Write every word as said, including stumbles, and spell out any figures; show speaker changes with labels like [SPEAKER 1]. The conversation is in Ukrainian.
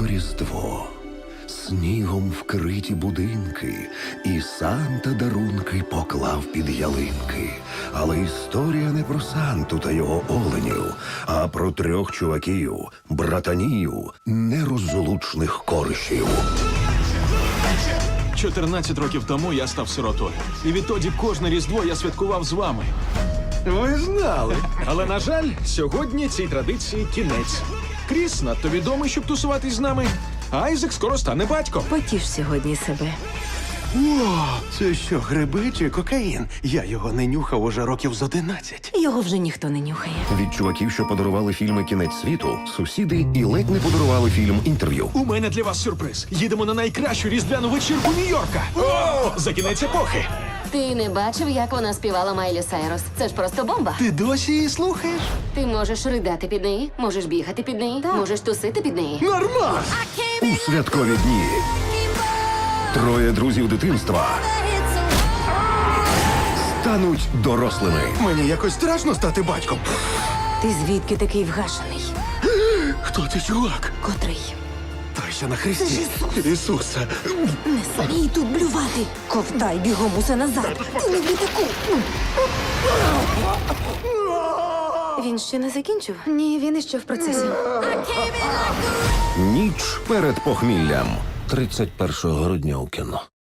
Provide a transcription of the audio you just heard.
[SPEAKER 1] близько Різдво, снігом вкриті будинки, і Санта дарунки поклав під ялинки. Але історія не про Санту та його оленів, а про трьох чуваків, братанів, нерозлучних коришів.
[SPEAKER 2] чотирнадцять років тому я став сиротою. І відтоді кожне Різдво я святкував з вами.
[SPEAKER 3] Ви знали.
[SPEAKER 2] Але, на жаль, сьогодні цій традиції кінець. Кріс надто відомий, щоб тусуватись з нами, а Айзек скоро стане батьком.
[SPEAKER 4] Потіш сьогодні себе.
[SPEAKER 3] О, це що, гриби чи кокаїн? Я його не нюхав уже років з одинадцять.
[SPEAKER 4] Його вже ніхто не нюхає.
[SPEAKER 1] Від чуваків, що подарували фільми «Кінець світу», сусіди і ледь не подарували фільм «Інтерв'ю».
[SPEAKER 2] У мене для вас сюрприз. Їдемо на найкращу різдвяну вечірку Нью-Йорка. О! За кінець епохи.
[SPEAKER 5] Ти не бачив, як вона співала Майлі Сайрус? Це ж просто бомба.
[SPEAKER 3] Ти досі її слухаєш?
[SPEAKER 5] Ти можеш ридати під неї, можеш бігати під неї, можеш тусити під неї.
[SPEAKER 3] Нормас!
[SPEAKER 1] У святкові дні троє друзів дитинства стануть дорослими.
[SPEAKER 3] Мені якось страшно стати батьком.
[SPEAKER 4] Ти звідки такий вгашений?
[SPEAKER 3] Хто ти, чувак?
[SPEAKER 4] Котрий?
[SPEAKER 3] Той, що на хресті. Ісусе.
[SPEAKER 4] Не смій тут блювати. Ковтай бігом усе назад. Ти не в літаку. Він ще не закінчив? Ні, він іще в процесі.
[SPEAKER 1] Ніч перед похміллям. тридцять першого грудня у кіно.